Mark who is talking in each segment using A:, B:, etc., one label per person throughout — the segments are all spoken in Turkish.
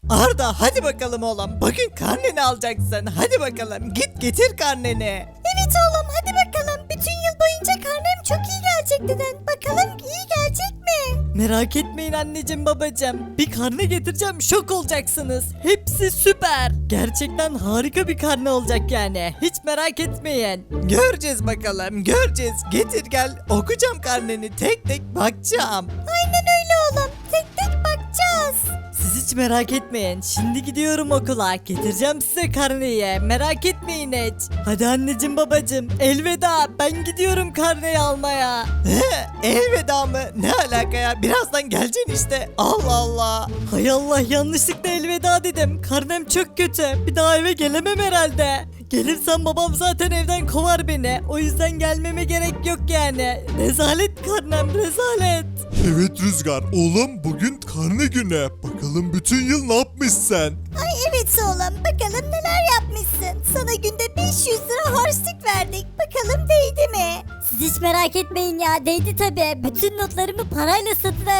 A: Arda hadi bakalım oğlum. Bugün karneni alacaksın. Hadi bakalım git getir karneni.
B: Evet oğlum hadi bakalım. Bütün yıl boyunca karnem çok iyi gelecek dedin. Bakalım iyi gelecek mi?
A: Merak etmeyin anneciğim babacığım. Bir karne getireceğim şok olacaksınız. Hepsi süper. Gerçekten harika bir karne olacak yani. Hiç merak etmeyin. Göreceğiz bakalım göreceğiz. Getir gel okuyacağım karneni tek tek bakacağım.
B: Aynen öyle oğlum. Tek tek bakacağız.
A: Siz hiç merak etmeyin. Şimdi gidiyorum okula. Getireceğim size karneyi. Merak etmeyin hiç. Hadi anneciğim babacığım. Elveda. Ben gidiyorum karneyi almaya. Elveda mı? Ne alaka ya? Birazdan geleceksin işte. Allah Allah. Hay Allah yanlışlıkla elveda dedim. Karnem çok kötü. Bir daha eve gelemem herhalde. Gelirsem babam zaten evden kovar beni. O yüzden gelmeme gerek yok yani. Rezalet karnem rezalet.
C: Evet Rüzgar, oğlum bugün karne günü. Bakalım bütün yıl ne yapmışsın?
B: Ay evet oğlum bakalım neler yapmışsın. Sana günde 500 lira harçlık verdik. Bakalım değdi mi? Siz hiç merak etmeyin ya değdi tabi. Bütün notlarımı parayla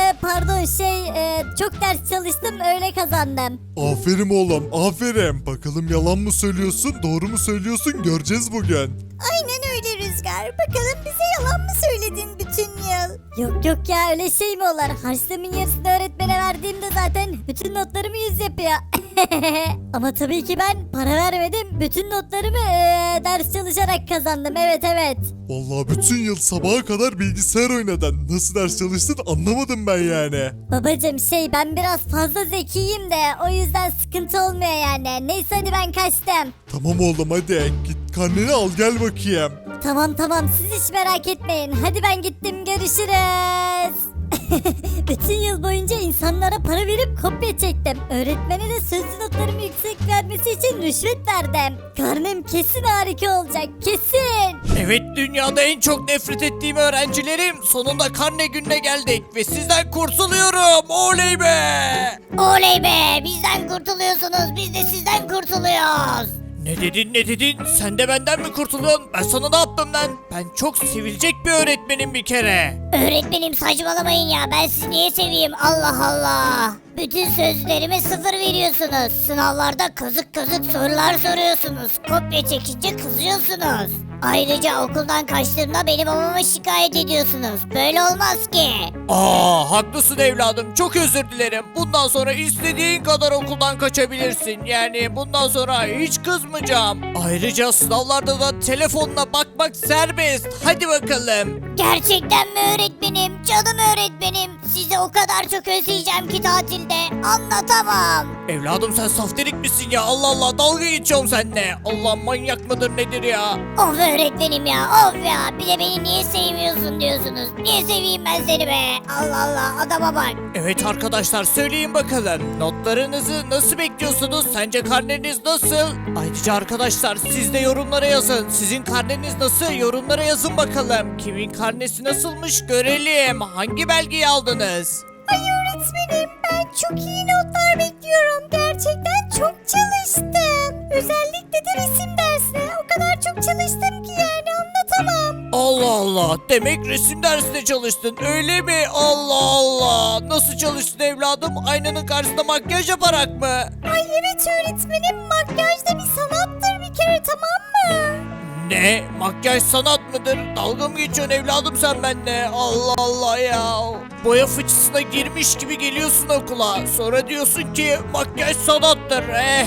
B: çok ders çalıştım öyle kazandım.
C: Aferin oğlum, aferin. Bakalım yalan mı söylüyorsun, doğru mu söylüyorsun göreceğiz bugün.
B: Aynen öyle Rüzgar. Bakalım bize yalan mı söyledin bütün yıl? Yok ya öyle şey mi olur? Harçlığımın yarısını öğretmene verdiğimde zaten bütün notlarımı 100 yapıyor. Ama tabii ki ben para vermedim. Bütün notlarımı ders çalışarak kazandım. Evet.
C: Vallahi bütün yıl sabaha kadar bilgisayar oynadın. Nasıl ders çalıştın anlamadım ben yani.
B: Babacım ben biraz fazla zekiyim de o yüzden sıkıntı olmuyor yani. Neyse hadi ben kaçtım.
C: Tamam oğlum hadi git karneni al gel bakayım.
B: Tamam siz hiç merak etmeyin. Hadi ben gittim görüşürüz. Bütün yıl boyunca insanlara para verip kopya çektim. Öğretmene de sözlü notlarımı yüksek vermesi için rüşvet verdim. Karnem kesin harika olacak kesin.
A: Evet dünyada en çok nefret ettiğim öğrencilerim sonunda karne gününe geldik ve sizden kurtuluyorum oley be.
B: Oley be bizden kurtuluyorsunuz biz de sizden kurtuluyoruz.
A: Ne dedin sen de benden mi kurtuluyorsun ben sana ne yaptım lan ben çok sevilecek bir öğretmenim bir kere.
B: Öğretmenim saçmalamayın ya ben sizi niye seveyim Allah Allah. Bütün sözlerime 0 veriyorsunuz. Sınavlarda kazık sorular soruyorsunuz. Kopya çekince kızıyorsunuz. Ayrıca okuldan kaçtığımda beni babama şikayet ediyorsunuz. Böyle olmaz ki.
A: Haklısın evladım çok özür dilerim bundan sonra istediğin kadar okuldan kaçabilirsin yani bundan sonra hiç kızmayacağım. Ayrıca sınavlarda da telefonla bakmak serbest hadi bakalım.
B: Gerçekten mi öğretmenim? Canım öğretmenim. Sizi o kadar çok özleyeceğim ki tatilde. Anlatamam.
A: Evladım sen safterik misin ya Allah Allah dalga geçiyorum seninle. Allah manyak mıdır nedir ya?
B: Of öğretmenim ya of ya. Bir de beni niye sevmiyorsun diyorsunuz. Niye seveyim ben seni be? Allah Allah adama bak.
A: Evet arkadaşlar söyleyin bakalım notlarınızı nasıl bekliyorsunuz sence karneniz nasıl? Ayrıca arkadaşlar siz de yorumlara yazın sizin karneniz nasıl yorumlara yazın bakalım kimin karnesi nasılmış görelim hangi belgeyi aldınız?
B: Ay öğretmenim ben çok iyi notlar bekliyorum. Gerçekten çok çalıştım. Özellikle de resim dersine. O kadar çok çalıştım ki yani anlatamam.
A: Allah Allah demek resim dersinde çalıştın öyle mi? Allah Allah nasıl çalıştın evladım aynanın karşısında makyaj yaparak mı?
B: Ay evet öğretmenim makyaj da bir sanattır bir kere tamam mı?
A: Ne? Makyaj sanat mıdır? Dalga mı geçiyorsun evladım sen benimle? Allah Allah ya. Boya fıçısına girmiş gibi geliyorsun okula. Sonra diyorsun ki makyaj sanattır.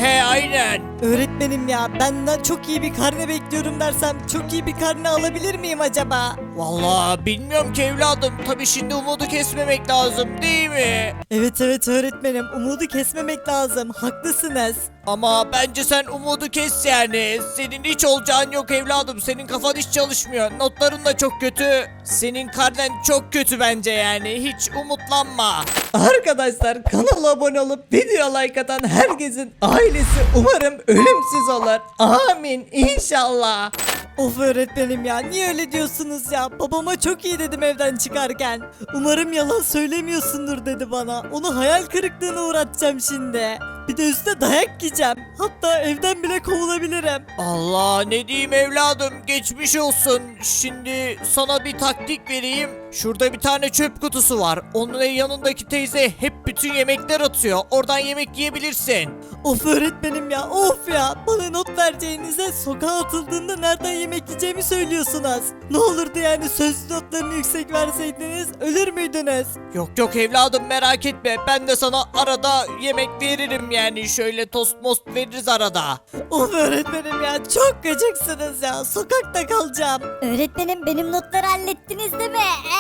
A: Aynen. Öğretmenim ya benden çok iyi bir karne bekliyorum dersem çok iyi bir karne alabilir miyim acaba? Vallahi bilmiyorum ki evladım. Tabii şimdi umudu kesmemek lazım değil mi? Evet öğretmenim umudu kesmemek lazım. Haklısınız. Ama bence sen umudu kes yani. Senin hiç olacağın yok evladım. Senin kafan hiç çalışmıyor. Notların da çok kötü. Senin karnen çok kötü bence yani. Hiç umutlanma. Arkadaşlar kanala abone olup video like atan herkesin ailesi umarım ölümsüz olur. Amin inşallah. Of öğretmenim ya niye öyle diyorsunuz ya? Babama çok iyi dedim evden çıkarken. Umarım yalan söylemiyorsundur dedi bana. Onu hayal kırıklığına uğratacağım şimdi. Bir de üstüne dayak yiyeceğim. Hatta evden bile kovulabilirim. Allah ne diyeyim evladım geçmiş olsun. Şimdi sana bir taktik vereyim. Şurada bir tane çöp kutusu var. Onun yanındaki teyze hep bütün yemekler atıyor. Oradan yemek yiyebilirsin.
D: Of öğretmenim ya, of ya. Bana not vereceğinize sokağa atıldığında nereden yemek yiyeceğimi söylüyorsunuz. Ne olurdu yani sözlü notlarını yüksek verseydiniz ölür müydünüz?
A: Yok yok evladım merak etme. Ben de sana arada yemek veririm yani. Şöyle tost most veririz arada.
D: Of öğretmenim ya, çok gıcıksınız ya. Sokakta kalacağım.
B: Öğretmenim benim notları hallettiniz değil mi?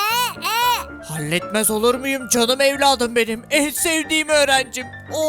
A: Halletmez olur muyum canım evladım benim. En sevdiğim öğrencim.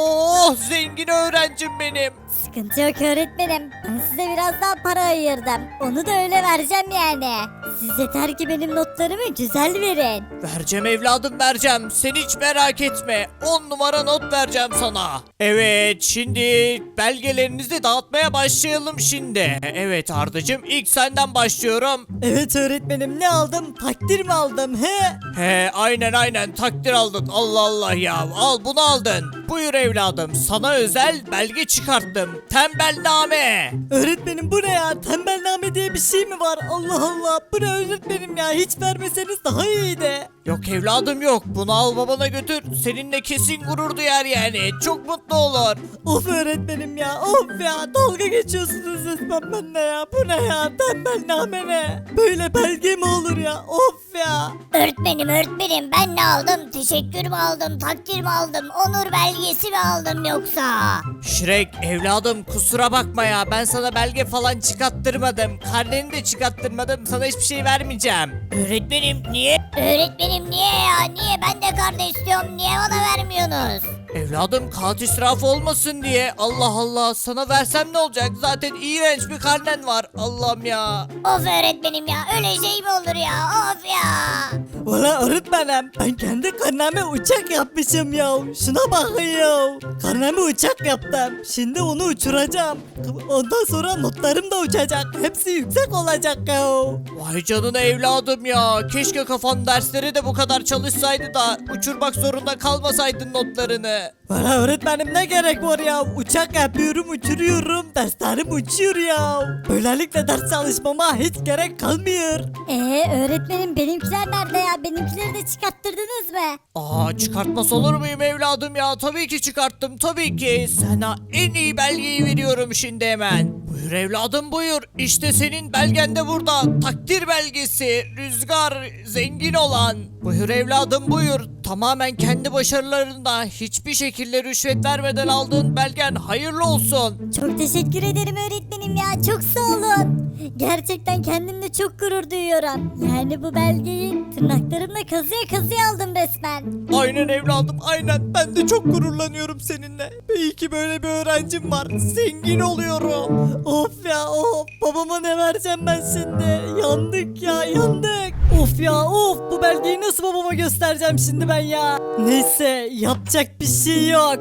A: Oh zengin öğrencim benim.
B: Sıkıntı yok öğretmenim. Ben size biraz daha para ayırdım. Onu da öyle vereceğim yani. Siz yeter ki benim notlarımı güzel verin.
A: Vereceğim evladım vereceğim. Sen hiç merak etme. 10 numara not vereceğim sana. Evet şimdi belgelerinizi dağıtmaya başlayalım şimdi. Evet Ardacığım ilk senden başlıyorum.
D: Evet öğretmenim, ne aldım? Takdir mi aldım he?
A: He aynen takdir aldın. Allah Allah ya al bunu aldın. Buyur evladım sana özel belge çıkarttım. Tembelname.
D: Öğretmenim bu ne ya? Tembelname diye bir şey mi var? Allah Allah, bu ne öğretmenim ya? Hiç vermeseniz daha iyiydi.
A: Yok evladım yok. Bunu al babana götür. Seninle kesin gurur duyar yani. Çok mutlu olur.
D: Of öğretmenim ya, of ya, dalga geçiyorsunuz resmen benimle ya. Bu ne ya? Tembelname ne? Böyle belge mi olur ya? Of ya.
B: Öğretmenim ben ne aldım? Teşekkür mü aldım? Takdir mi aldım? Onur belgesi mi aldım yoksa?
A: Şirek evladım kusura bakma ya. Ben sana belge falan çıkarttırmadım. Karneni de çıkarttırmadım. Sana hiçbir şey vermeyeceğim. Öğretmenim niye?
B: Öğretmenim niye ya? Niye? Ben de karne istiyorum. Niye bana vermiyorsunuz?
A: Evladım kağıt israfı olmasın diye. Allah Allah sana versem ne olacak? Zaten iğrenç bir karnen var. Allah'ım ya.
B: Of öğretmenim ya. Öyle şey mi olur ya? Of ya.
D: Valla öğretmenim, ben kendi karneme uçak yapmışım ya. Şuna bakın ya. Karneme uçak yaptım. Şimdi onu uçuracağım. Ondan sonra notlarım da uçacak. Hepsi yüksek olacak ya.
A: Vay canına evladım ya. Keşke kafan derslere de bu kadar çalışsaydı da uçurmak zorunda kalmasaydın notlarını.
D: Valla öğretmenim ne gerek var ya? Uçak yapıyorum, uçuruyorum. Derslerim uçuyor ya. Böylelikle ders çalışmama hiç gerek kalmıyor.
B: Öğretmenim benimkiler nerede ya? Benimkileri de çıkarttırdınız mı?
A: Aa çıkartmaz olur muyum evladım ya? Tabii ki çıkarttım tabii ki. Sana en iyi belgeyi veriyorum şimdi hemen. Buyur evladım buyur. İşte senin belgen de burada. Takdir belgesi. Rüzgar zengin olan. Buyur evladım buyur. Tamamen kendi başarılarında hiçbir şekilde rüşvet vermeden aldığın belgen hayırlı olsun.
B: Çok teşekkür ederim öğretmenim ya. Çok sağ olun. Gerçekten kendimle çok gurur duyuyorum. Yani bu belgeyi tırnaklarımla kazıya kazıya aldım resmen.
A: Aynen evladım aynen. Ben de çok gururlanıyorum seninle. İyi ki böyle bir öğrencim var. Zengin oluyorum.
D: Of ya of. Babama ne vereceğim ben şimdi? Yandık ya, yandık. Of ya of. Bu belgeyi nasıl babama göstereceğim şimdi ben ya? Neyse, yapacak bir şey yok.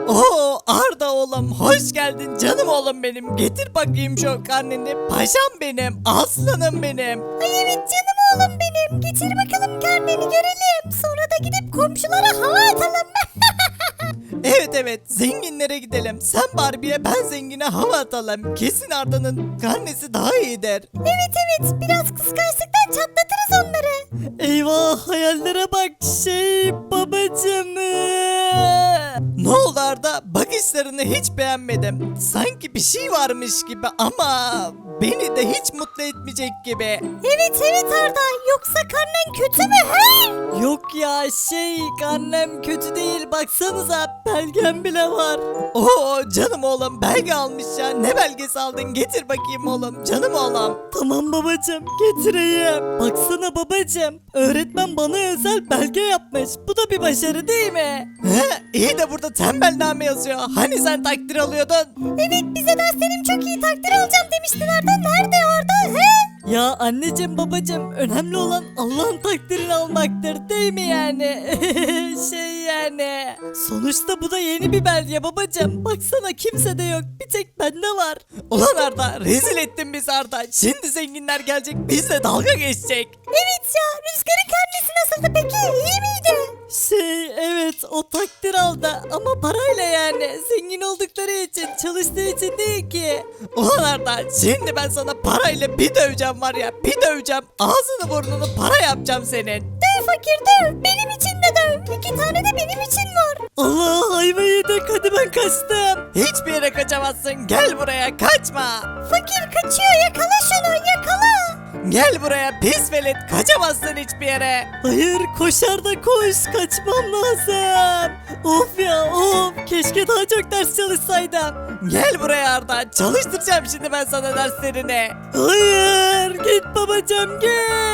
A: Oo Arda oğlum hoş geldin canım oğlum benim. Getir bakayım şu karneni. Paşam benim. Aslanım benim.
B: Ay evet canım oğlum benim. Getir bakalım karneni görelim. Sonra da gidip komşulara hava atalım.
A: Evet zenginlere gidelim. Sen Barbie'ye ben zengine hava atalım. Kesin Arda'nın karnesi daha iyidir.
B: Evet biraz kıskançlıktan çatlatırız onları.
D: Eyvah, hayallere bak babacım.
A: Ne oldu Arda? Bakışlarını hiç beğenmedim. Sanki bir şey varmış gibi ama beni de hiç mutlu etmeyecek gibi.
B: Evet Arda. Yoksa karnen kötü mü he?
D: Yok ya karnem kötü değil, baksanıza belgem bile var.
A: Oo canım oğlum belge almış ya. Ne belgesi aldın? Getir bakayım oğlum. Canım oğlum.
D: Tamam babacım, getireyim. Baksana babacım, öğretmen bana özel belge yapmış. Bu da bir başarı değil mi?
A: He, iyi de burada tembelname yazıyor. Hani sen takdir alıyordun?
B: Evet bize derslerim çok iyi takdir alacağım demiştin Arda. Nerede Arda he?
D: Ya anneciğim babacığım, önemli olan Allah'ın takdirini almaktır değil mi yani? Yani. Sonuçta bu da yeni bir belge babacığım. Baksana kimsede yok, bir tek bende var.
A: Ulan Arda rezil ettin bizi Arda. Şimdi zenginler gelecek bizle dalga geçecek.
B: Evet ya Rüzgar'ın karnesi nasıldı peki? İyi miydi?
D: Evet, o takdir aldı ama parayla yani. Zengin oldukları için, çalıştığı için değil ki.
A: Ulan Arda şimdi ben sana parayla bir döveceğim var ya. Bir döveceğim. Ağzını burnunu para yapacağım senin.
B: Döv fakir döv. Benim için de döv. 2 tane de benim için var.
D: Allah ayva yedik, hadi ben kaçtım. Hiçbir yere kaçamazsın, gel buraya, kaçma.
B: Fakir kaçıyor, yakala şunu, yakala.
D: Gel buraya pis velet, kaçamazsın hiçbir yere. Hayır, koşar da koş, kaçmam lazım. Of ya of, keşke daha çok ders çalışsaydım. Gel buraya Arda, çalıştıracağım şimdi ben sana derslerini. Hayır, git babacığım git.